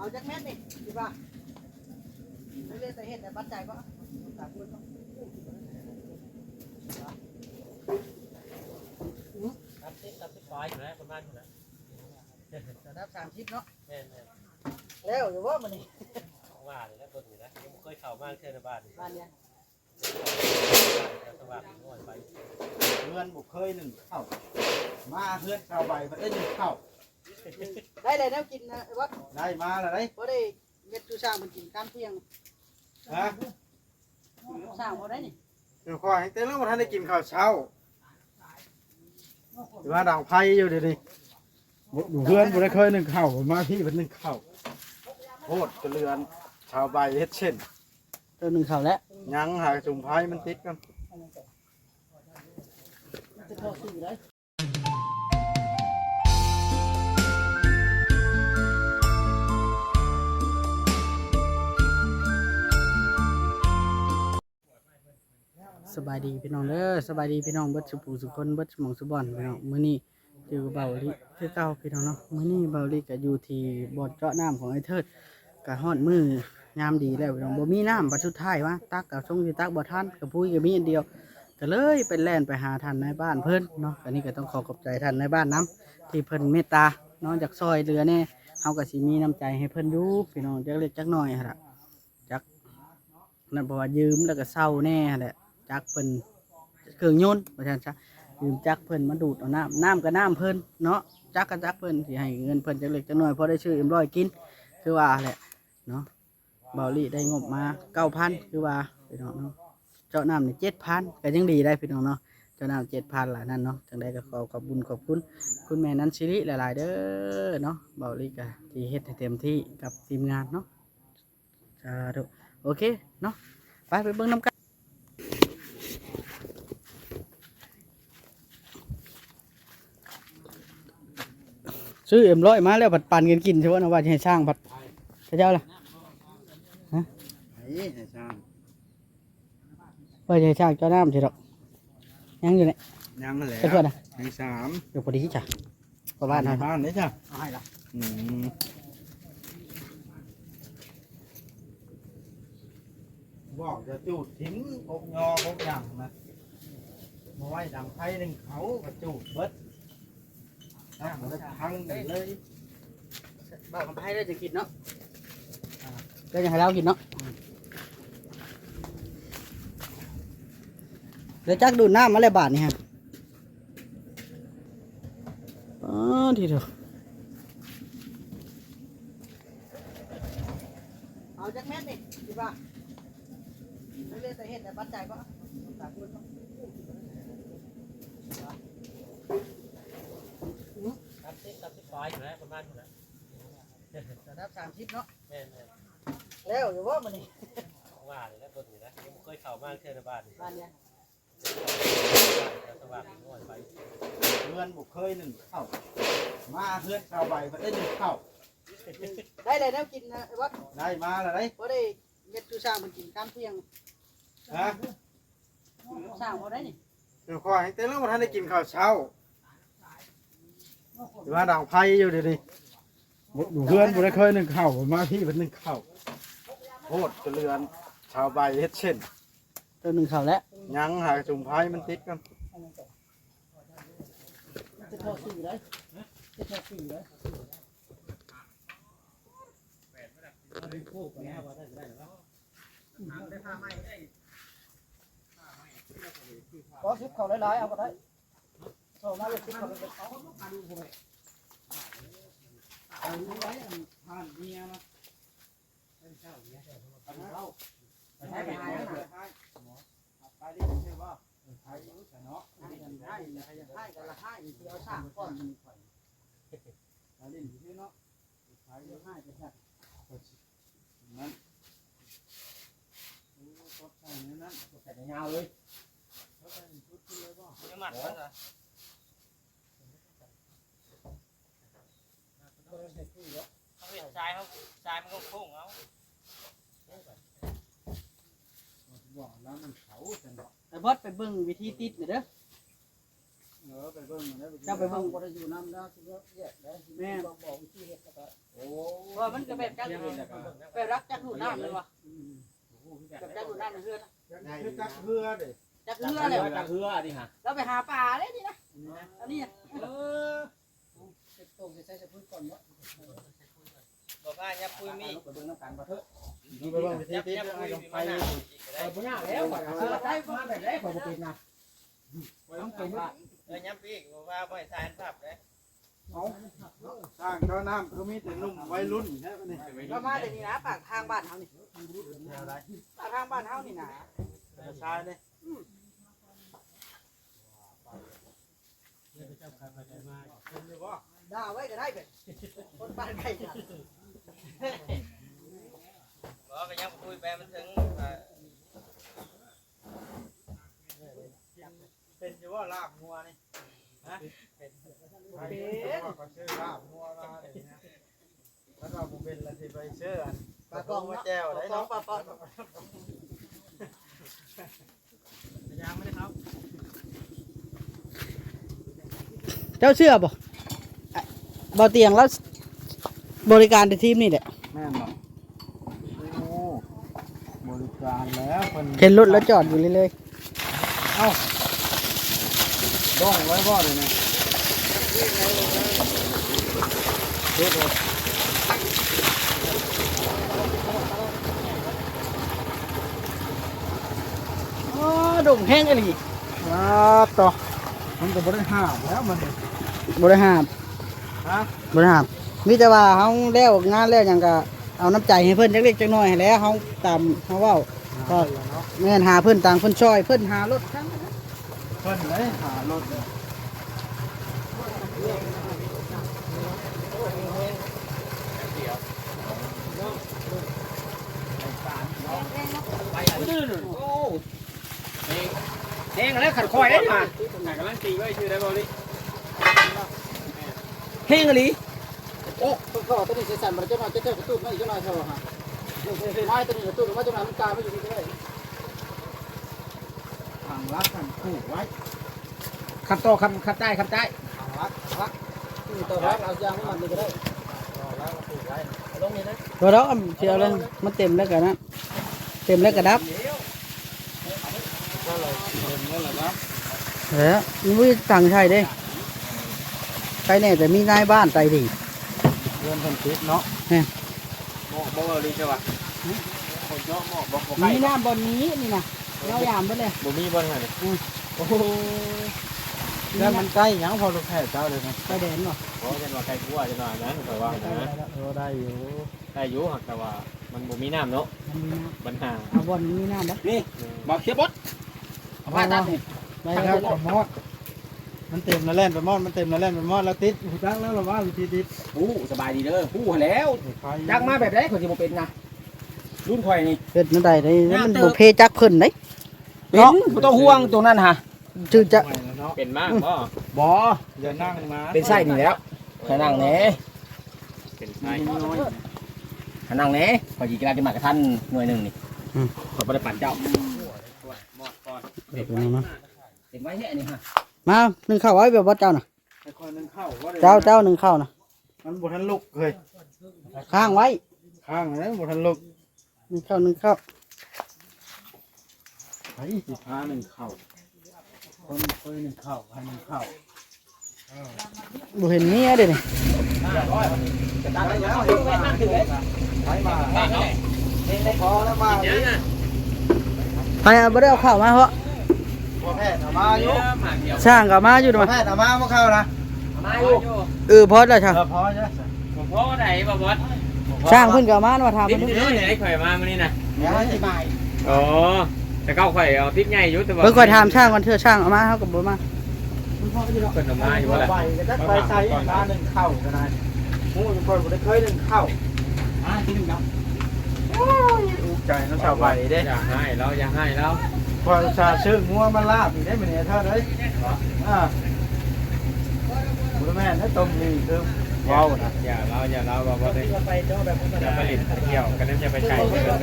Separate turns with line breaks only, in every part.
จากเม็ดนี่ดีป่ะไม่เรียกแต่เห็ดแต่ปัจจัยก็ตาบุญก็
30ปลายอยู่แล้วประมาณอยู่แล้ว
จะนับ30เนาะ
แม่น
แล้วอยู่ว่ามันนี่
ว่าเลยแล้วเบิ่งอยู่นะยังเคยเข้ามาเทื่อในบ้านนี่
บ้านเนี้ย
สว่างน้อยไป
เพื่อนบุกเคยหนึ่งเข้ามาเพื่อนเข้าไปมันได้หนึ่งเข้า
ได้เลยแล้วกินนะวัด
ได้มาแล้วได้
พอได้เม็ดจูช่างมันกินข้ามเที่ยง
ฮะ
ช่างพอได้นี่
เดี๋ยวคอยเต้นแล้วมาท่านได้กินข้าวเช้าหรือว่าด่างไผ่อยู่เดี๋ยวนี้อยู่เพื่อนบุกได้เคยหนึ่งเข้ามาพี่เป็นหนึ่งเข้าโคตรเรือนชาวใบเฮ็ดเช่น
ตัวหนึ่งเข่าแล้ว
ยังหาจุ่มไผ่มันติดกัน
จะเข้าสื่อเลยสบายดีพี่น้องเด้อสบายดีพี่น้องเบิดสุปูสุคนเบิดสมองสุบอนพี่น้องมื้อนี้อยู่เบาลิคือเก่าพี่น้องเนาะมื้อนี้เบาลิก็อยู่ที่บ่อเจาะน้ำของไอ้เทิดก็ฮอดมื้อยามดีแล้วพี่น้องบ่มีน้ำบัดสุดท้ายว่าตักกับทรงสิตักบ่ทันกับปุ้ยก็มีอันเดียวก็เลยไปแล่นไปหาท่านในบ้านเพิ่นเนาะอันนี้ก็ต้องขอขอบใจท่านในบ้านน้ำที่เพิ่นเมตตาเนาะจากซอยเรือแน่เฮาก็สิมีน้ำใจให้เพิ่นอยู่พี่น้องจักเล็กจักน้อยหั่นล่ะจักนั่นเพราะว่ายืมแล้วก็เศร้าแน่หั่นแหละจักเพิ่นเครื่องยนต์ว่าซั่นซะยืมจักเพิ่นมาดูดเอาน้ำก็น้ำเพิ่นเนาะจักก็จักเพิ่นสิให้เงินเพิ่นจักเล็กจักน้อยพอได้ซื้อM100กินคือว่าแหละเนาะเบาลี่ได้งบมา 9,000 คือว่าพี่น้องเนาะเจาะน้ำนี่ 7,000 ก็ยังดีได้พี่น้องเนาะเจาะน้ำ 7,000 ล่ะนั่นเนาะจังได๋ก็ขอบบุญขอบคุณคุณแม่นันสิริหลายๆเด้อเนาะเบาลี่ก็ที่เฮ็ดให้เต็มที่กับทีมงานเนาะสาธุโอเคเนาะไปเบิ่งนำกันซื้อM100มาแล้วผัดปั่นกันกินใช่ไหมนะว่าจะให้ช่างผัดพระเจ้าล่ะฮะ
ให้ช่าง
ว่าจะให้ช่างเจ้าน้ำใช่หรอกยังอยู่เนี่ย
ยังแหละ
เพื่อนนะ
ให้3
เดี๋ยวพอดีจ้ะประมาณนั้น
บ้านได้จ้ะ
เอาให้ละ
บอกจะจูดทิ้งอกยออกอย่างนะมาไว้ดังไผ่หนึ่งเขาก็จูดเบิดนั่งแล้วพังเลย
บอกกับให้ได้จะกินเนาะก็ยังให้เรากินเนาะเดี๋ยวจักดูดน้ำมาเลยบาทนี่ฮะอ๋อทีเดียวเอาจากเม็ดนี่ดีป่ะไม่เรียกแต่เห็ดแต่ปัจจัยก็ตาบุญก็
30ปลายอยู่แล้วประมาณอยู่แล้ว
จะนับ30เนาะ
แม่น
แล้วอยู่ว่ามันนี่
ว่าเลยแล้วเบิ่งอยู่นะยังเคยเข้ามาเทื่อในบ้านนี่
บ้านเนี้ย
สว่างน้อยไป
เพื่อนบุกเคยหนึ่งเข้ามาเพื่อนเข้าไปมันได้หนึ่งเข้า
ได้เลยแล้วกินนะวัด
ได้มาแล้วได้
พอได้เม็ดจูช่างมันกินข้ามเที่ยง
ฮะ
ช่างพอได้นี่
เดี๋ยวคอยเต้นแล้วมาท่านได้กินข้าวเช้าหรือว่าด่างไผ่อยู่เดี๋ยวนี้อยู่เพื่อนบุกได้เคยหนึ่งเข้ามาพี่เป็นหนึ่งเข้าโคตรเรือนชาวใบเฮ็ดเช่น
ตัวหนึ่งเข่าแล้ว
ยังหาจุ่มไผ่มันติดกัน
จะเข้าสื่อเลยจะเข้าสื่อเลยก็ชิปเขาหลายๆเอาก็ได้โซ่มาเลยชิปเขาเลยเอาดูไว้ผ่านเมียนะเป็นเจ้าเมียเอาเข้าไปให้ไปให้ไปดิใช่ป่ะไปเนาะให้กันให้กันละให้ที่เอาสร้างก้อนมันข่อยไปดิที่เนาะไปเดี๋ยวให้ไปแค่นั้นก็ใส่เนื้อนั้นก็ใส่ยาวเลยก็ใส่ชุดเลยป่ะยังหมัดก็จะ
เขาเห็นทรายมันก็โค้งเอา
บอกแล้วมันเขาจังหวะ
ไอ้บอสไปเบิ่งวิธีติดหน่อยเด้อ
ไปเบิ่งนะ
จะไปเบิ่งบ่ได้อยู่นำแล้วสิแยกได้แม่บอกวิธีเฮ็ดก็ได้
โอ้
ไปว่ามันก็แบบจักรักจักดูดน้ำเลยวะแบบจักดูดน้ำในเฮือน
คือจักเรือเด้
จักเฮือเลย
จักเฮือดิฮะ
เราไปหาปลาเลยนี่นะอันนี้
บอกว่าอย่าปุยมี
ดูไปว่าวิธีที่ไอ้ลงไป
บ่ยากแล้วข่อยเอาเสื้อใส่มาแบบไหนข่อยบ่เป็นนะต้องเป็นว่าย้ำปีกบอกว่าบ่ให้ทานภาพเด้
สร้างเจ้าน้ำคือมีแต่นุ่มวัยรุ่นใช่ไหมนี่
เรามาแต่นี่นะปากทางบ้านเฮานี่ปากทางบ้านเฮานี่นะ
ชายเนี่ย
ด่าไว้ก็ได้เป็นคนบ้านใครจ้ะ
บอกก็ยังคุยไปมันถึง
เป็นอยู่ว่าลาบงัวนี่ฮะเป็นก็ชื่อลาบงัวมาเนี่ยนะแล้วเราเป็นละที่ไปเชื่อ
ปลากอง
มา
เนาะ
แจ้ว
ป
ได้
ลากอง
เนาะ
ปลาปอน
ยังไม่ได้ครับ
เจ้าเชื่อบ่บ่เตียงแล้วบริการในทีมนี่แหละ
แม่นบ่โอ้บริการแล้วคน
เห็นรถแล้วจอดอยู่เลย
บ้องไว้บ่เลยนะ
อ๋อดุ่งแห้งอะไร
ต่อมันก็บ่ได้ห้ามแล้วมัน
บริหาร
ฮะ
บริหารมีแต่ว่าเขาแล้วงานแล้วอย่างก็เอาน้ำใจให้เพิ่นจักเล็กจักน้อยให้แล้วเขาตามเขาเว้าก็แม่นหาเพิ่นต่างเพิ่นช่วยเพิ่นหารถทั้งนั้น
เพิ่นเลยหารถเนี่ย
แห้งแล้วขัดคอยได้มาไหนกำลังตีไว้ชื่อได้บ่ลิแห้งอะไร
โอ้ต้องขอตัวนี้ใส่สั่นมันจะมาจะเท่ากระตุ้นไม่จะมาเท่าฮะไม้ตัวนี้กระตุ้นว่าจะมามันกาไม่อยู่นี่ก็ได้
ทางรักกันผูกไว้
ขัดต่อขัดใต้ขัดใต้
ทางรักรัก
นี่ตัวรักเอายางมันนี่ก็ได้
รอแล้วผูกไว้
ลงนี่นะ
ตัวรักเชียวเลยมันเต็มแล้วกันนะเต็มแล้วก็ดับ
ก็เลยเต็มแล้วล่ะครับ
เฮ้ยมีต่างชายเด้ใครแน่แต่มีนายบ้านใจดี
เริ่มพันทิศเนาะ
หมอกบ่ลิจ้ะวะคนเยอะหมอกบ่
มีน้ำบนนี้นี่นะเรายามไปเลย
บ่มีบ่ไงนี่
โอ้โหแล้วมันใกล้ยังพอลูกแพทย์เจ้าเลยนะ
ไปแดนเนาะ
เพราะจังว่าไก่กัวจังว่านั้นข่อยว่านะ
โอ้ได้อยู่
ได้อยู่หักแต่ว่ามันบ่มีน้ำเนาะ
มันมีน้
ปัญหา
ำเอาบนมีน้ำนะ
นี่บ่เขียบด
เอาผ้าตัดนี่
ไปครับไปมอดมันเต็มแล้วแล่นไปมอดมันเต็มแล้วแล่นไปมอดแล้วติดหูจักแล้วหรอว่าวิธีติด
ฮู้สบายดีเด้อฮู้แล้วจักมาแบบใดข่อยสิบ่เป็นนะรุ่นข่อยนี่
เฮ็ดนั่นใดได้มันบุเพจักเพิ่นเด้
เป็นบ่ต้องห่วงตรงนั้นฮะ
ชื่อจะ
เป็นมากบ่
บ่อย่านั่งมา
เป็นไส้นี่แล้วให้นั่งแหน่เป็นไส้ให้นั่งแหน่ข่อยสิกำลังจะมากระทันหน่วยหนึงนี่ข่อยบ่ได้ปั่นเจ้า
เด็กนี่มั้ง
เห็นไว้แค่นี้ฮะ
มาหนึ่งข้าวไว้แบบว่าเจ้าน่ะ
แต่คนนึงเข้าว่า
เจ้าหนึ่งข้าวน่ะ
มันบ่ทันลุกเลย
ข้างไว้
ข้างนั้นบ่ทันลุก
หนึ่งข้าว
ไอ้สิพาหนึ่งเข้าคนเคยหนึ่งเข้าให้หนึ่งเข้า
บ่เห็นเมียเด้นี่
จะตัดแล้วเห็นไว้นั่งถึงเลย
ไปมา
ตัดเอา
ได้พอแล้วมา
เดี๋ยวนะ
ไปเอาบ่ได้เอาข้าวมาเพราะ
บ่แพทย์เอามาอยู่
มาเดียว
สร้างก็มาอยู่
บ่
ด้วย
แพทย์เอามาบ่เข้านะ
มาอยู่
พอแล้วช่าง
พอจ้ะ
ผมพ่อไหนบ่บอส
สร้างเพิ่นก็มาว่าถาม
ติ
เพิ่
ด
น
เนื้อไหนข่อยมามื้อนี้นะ
เดี๋ยวสิบาย
อ๋อแต่เก้าข่อยเอาติดใหญ่อยู่แต่ว่า
เพิ่นค่อยถามช่างก่อนเทื่อช่างเอามาเฮาก็บ่มา
เพิ่นเอามาอยู่ว่าแหละ
ไปก็จะไปใส่มาหนึ่งเข้าก็ได้โอ้ยคนบ่ได้เคยหนึ่งเข้าที่หนึ่งครับถูกใจน้องชาวใบเด้
อย่าให้เราอย่าให้เรา
พอชาชื่องัวมาลาบอีกได้เหมือนเท่าเลยบุญแม่ถ้าต้มนี่คือว้าวนะ
อย่าเราบ่บอสเลยอย่าไปหลินเที่ยวกันนั้นอย่าไปไกลเกินเลย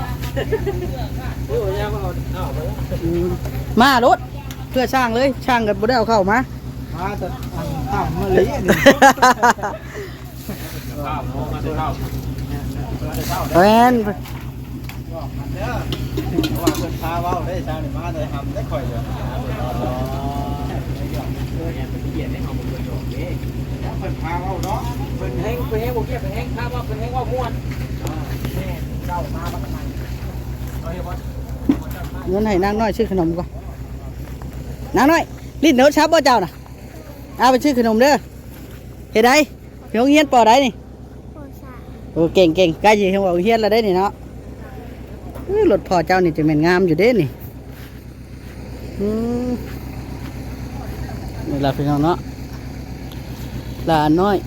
มารถเพื่อช่างเลยช่างก็บ่ได้เอาเข้ามา
มาแต่ต่ำมาลี
ข้าวมาเช้า
แม่น
บอกกันเด้อว่าเพิ่นพาเว้าได้เช้านี่มาได้ทำได้ค่อยเด้อเพิ่นพาเว้าเนาะ
เป็นแห้งโอเคเป็นแห้งถ้าว่าเป็นแห้งว่าม้วนแม่เจ้ามาบ้างไหมเอาเดี๋ยวว่า
เงินให้นางน้อยซื้อขนมก่อนนางน้อยลิ้นเนื้อชับบ่เจ้าน่ะเอาไปซื้อขนมเด้อเฮ็ดได้พี่โรงเรียนปอได้นี่
โคชา
โอ้เก่งใกล้สิเฮาเอาเฮียนแล้วได้นี่เนาะรถพ่อเจ้านี่จะแม่นงามอยู่เด้นี่นี่ล่ะพี่น้องเนาะหลานน้อย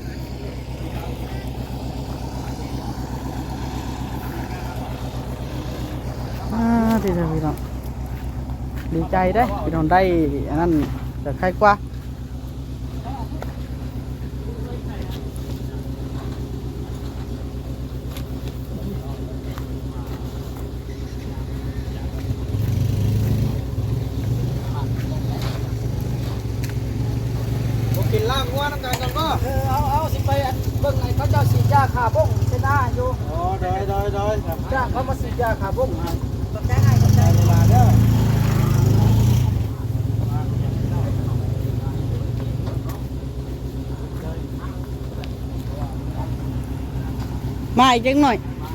ที่จะพี่น้องดีใจได้พี่น้องได้อันนั้นจะใครกว่า
กินลาบงัวน้ำกันกันบ่
เอาสิไปเบิ่งไอ้เขาเจ้าสีดยาขาบ้งเป็นหน้าอยู่
อ๋อได้ครับ
จ้างเขามาสีดยาขาบ้งให้
ได้เวลาเด้อ
มาอีกจังหน่อย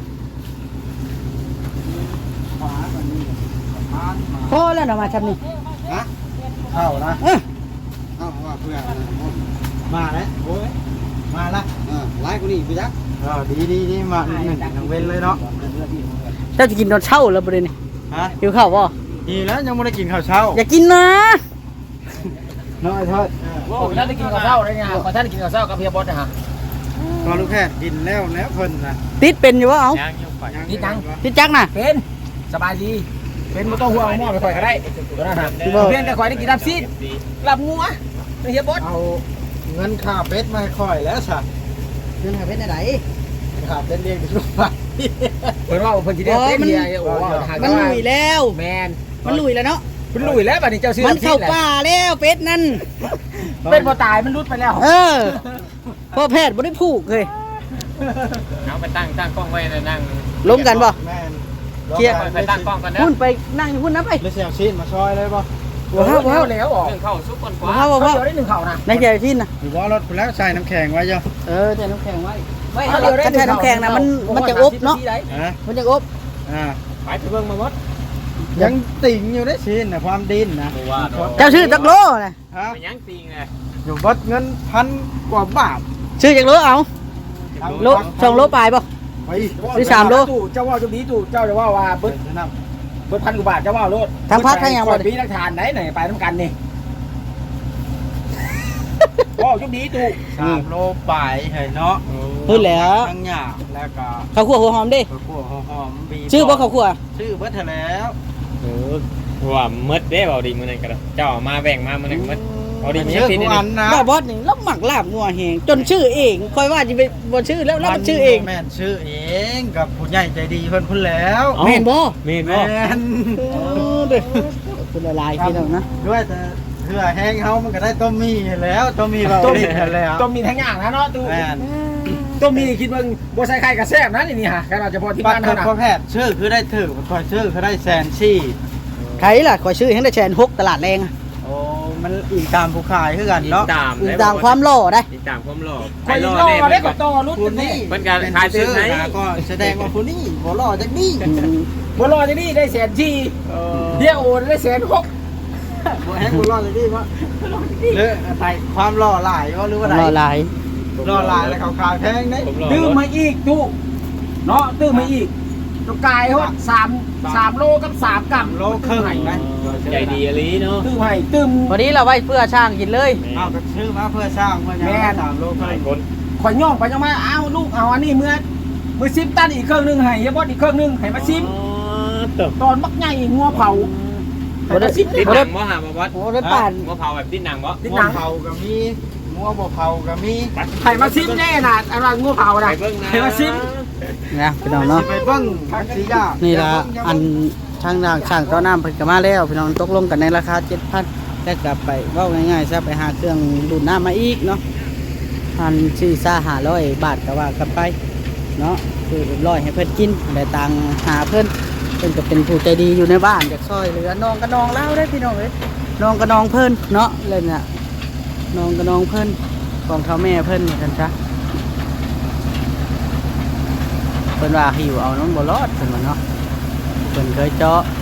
ขวาก่อนนี่ทานมา
พอแล้วเนาะมาทำนี่
นะเข้านะ
เออ
เข้าว่าเพื่อนมาแล้วโอ้ยมาละไล่กูนี่พี่จักดีมาหนึ่งเว้นเลยเนาะ
เจ้าจะกินตอนเช้าแล้วประเด็นนี่
ฮะ
หิวข้าวป่ะ
ดีแล้วยังไม่ได้กินข้าวเช้า
อย่ากินนะ
น้อยทอด
ผมท่านได้กินข้าวเช้าเลยเนี่ยขอท่านได้กินข้าวเช้ากับเพียบอสนะฮะ
ตอนลูกแพทย์กินแล้วเพิ่นนะ
ติดเป็นอยู่วะเอา
นี่ตัง
ติดจักน่ะ
เป็นสบายดีเป็นไม่ต้องห่วงหม้อไปคอยก็ได้ตัวนั้นฮะเพียงแต่คอยได้กินรับซีดรับงัวเฮียบอส
เอาเงินค่าเป็ดมาให้ค่อยแล้วสัตว์
เงินหาเป็นไหน
ค่าเป็ดเลี้ยงไปลูกไป
เพิ่นว่าเพิ่นสิได้เป็นเฮียโอ้หา
มันลุยแล้ว
แมน
มันลุยแล้วเนาะ
เพิ่นลุยแล้วบัดนี้เจ้าซื้อ
มันเข้าป่าแล้วเป็ดนั่น
เป็นบ่ตายมันรุดไปแล้ว
เออพ่อแพทย์บ่ได้ผูกเลย
เอาไปตั้งกล้องไว้นะนั่ง
ล้มกันป่ะ
แม่น
เคลียร์
ไปตั้งกล้องกันนะ
พุ่นไปนั่งอยู่พุ่นนะไป
เลยเสียงชิ้นมาซอยเลยป่ะ
บ่เข้าบ่เข้า
แล้วออก
เรื่องเข้าซุปก่อนก
บ่
ว่า
เข้าบ่
เขา
เข้า
เดียวได้1เข่านะ
ในใจที่น่ะ
หรือว่ารถไปแล้วใส่น้ำแข็งไว้เจ้า
เออแต่น้ำแข็งไว้
ไม่
ถ้าใช้น้ำแข็งนะมันจะอบเนาะ
ฮะ
มันจะอบ
ไปเบิ่งมาหมด
ยังติ่งอยู่ได้ชิ้นนะความดินนะ
ตัวว่า
เจ้าชื่อจักโลนะ
ฮะ
ไปยังติงเลย
อยู่บัดเงิน1,000 กว่าบาท
ชื่อจักโลเอาโล2 โลปลายป่ะ
ไป
ซื้อ3 โล
เจ้าว่าจุดนี้ตู่เจ้าจะว่าว่าเบิด
น้
เบิด1,000 กว่าบาทเจ้าว่าโลด
ทางพักทางหยังบ่
ปีนักทานไหนไปน้ำกันนี่ว่าจุดนี้ตู่
ำ3 โลปลายเห็นเนาะ
พูดแล้ว
ทั้งหยาบแล้วก็
ข้าวคั่วหัวหอมดิ
ข้าวคั่วหอมบี
ชื่อบ่ข้าวคั่ว
ชื่อเบิดเท่าแล้ว
ว่ามืดเด้เบาดีมือนั่นกันเจ้ามาแบ่งมามือนั่นมืดเอาดีมี
ชื่อ
ปี
กู
นี้
อันนะ
บ่บอสนี่แล้วหมักลาบงัวแหงจนชื่อเองคอยว่าจะไปบ่ชื่อแล้วมันชื่อเอง
แม่นชื่อเองกับผู้ใหญ่ใจดีเพิ่นพุ่นแล้ว
แม่นบ่
มี
แม่น
เด้อเป็นละลายพี่น้องนะ
ด้วยแต่เพื่อแห้งเฮามันก็ได้ต้มมีแล้วต้มมีเบาดิแล้ว
ต้มมีทั้งอย่างนะเนาะตู่
แม่น
ต้มมีคิดเบิ่งบ่ใส่ไข่กระแซ่บนะนี่ฮะแค่เราจะพอที่
บัต
บ้าร น
เพิ่
เท่าน นั้น
พ่อแพทย์ชื่อคือได้ถือคอยชื่อคือได้แสนชี่
ใครล่ะขอยชื่อให้ได้แชน6ตลาดแรงอะ
โอ้มันอีกตามผู้ขายคือกันเนาะ
ตาม
ตามความหล่อได้
ติดตามความหล่อ
คอยรอได้ก็ต่อรุ่น
ผู้
กัน
นี้
นี่
เพิ่นก็ขายตื่นไหน
ก็แสดงว่าผู้นี้บ่รอจักนี้
บ่รอจะนี่ได้แสนที่เดี๋ยวโอนได้แสนหก
บ่แห้งบ่รอจักนี้ว่าหรืออะไรความรอหลายว่าหรือว่า
หล่อ
ใด
หลาย
รอหลายแล้วเขาขายแพงเด้
ผมหล่อ
ตื้มมาอีกตู่เนาะตื้มมาอีกตัวกายฮอด3 โลกับ3กรัม
โลครึ่งนะ
ใจดีอลีเนาะ
ตื้มให้ตื้ม
วันนี้เราไว้เพื่อช่างกินเลย
เอาก็ชื่อมาเพื่อสร้างเพื่อยัง3 โลค
หลาย
รึ่ง
คน
ข่อยย่องไปจังมาอ้าวลูกเอาอันนี้เมื่อ10 ตันอีกเครื่องนึงให้เฮียบอสอีกเครื่องนึงให้มาซิม
ตบ
ตอนมักใหญ่งัวเผาให้มาซิม
ติด
ได้
หนังบ่หามาวัด
โอ้ได้ป่าน
บ่เผาแบบติดหนังบ่
ติด
งั
หนั
ว
ง
เผาก็มีงัวบ่เผาก็มี
ให้มาซิมแน่น่ะอันว่างัวเผา
ไป
น่ะ
เบิ่งนะ
ให้มาซิม
นะพี่น้องเนาะ
ไปเบิ่งทักษิยา
นี่
นี่
ละอันช่างด่างช่างต้อน้ำเพิ่นก็มาแล้วพี่น้องตกลงกันในราคา 7,000แล้วกลับไปเว้าง่ายๆซะไปหาเครื่องดูดน้ำมาอีกเนาะ 400-500 บาทก็ว่ากันไปเนาะคือร้อยให้เพิ่นกินได้ตังหาเพิ่นก็เป็นผู้ใจดีอยู่ในบ้านอยากช่วยเหลือน้องก็น้องเล่าได้พี่น้องเอ้ยน้องก็น้องเพิ่นเนาะเลยน่ะน้องก็น้องเพิ่นของเท่าแม่เพิ่นนี่กันซะเพิ่นว่าหิวเอาน้องบ่รอดเพิ่นว่าเนาะเพิ่นเคยเจาะ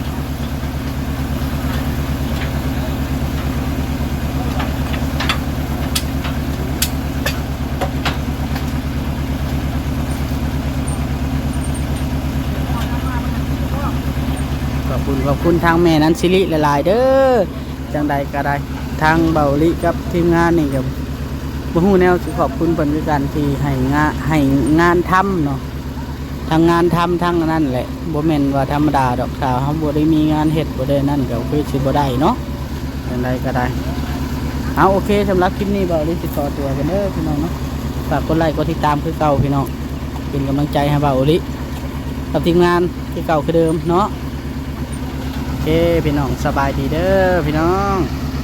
ขอบคุณทางแม่นั้นสิริหลายๆเด้อจังใดก็ได้ทางเบาลิกับทีมงานนี่ก็บ่ฮู้แนวสิขอบคุณเพิ่นคือกันที่ให้งานทำเนาะทางงานทำทั้งนั้นแหละบ่แม่นว่าธรรมดาดอกถ้าเฮาบ่ได้มีงานเฮ็ดบ่ได้นั่นก็คือสิบ่ได้เนาะจังใดก็ได้เอาโอเคสำหรับคลิปนี้เบาลิสิขอตัวกันเด้อพี่น้องเนาะฝากกดไลค์กดติดตามคือเก่าพี่น้องเป็นกำลังใจให้เบาลิกับทีมงานคือเก่าคือเดิมเนาะโอเคพี่น้องสบายดีเด้อพี่น้อง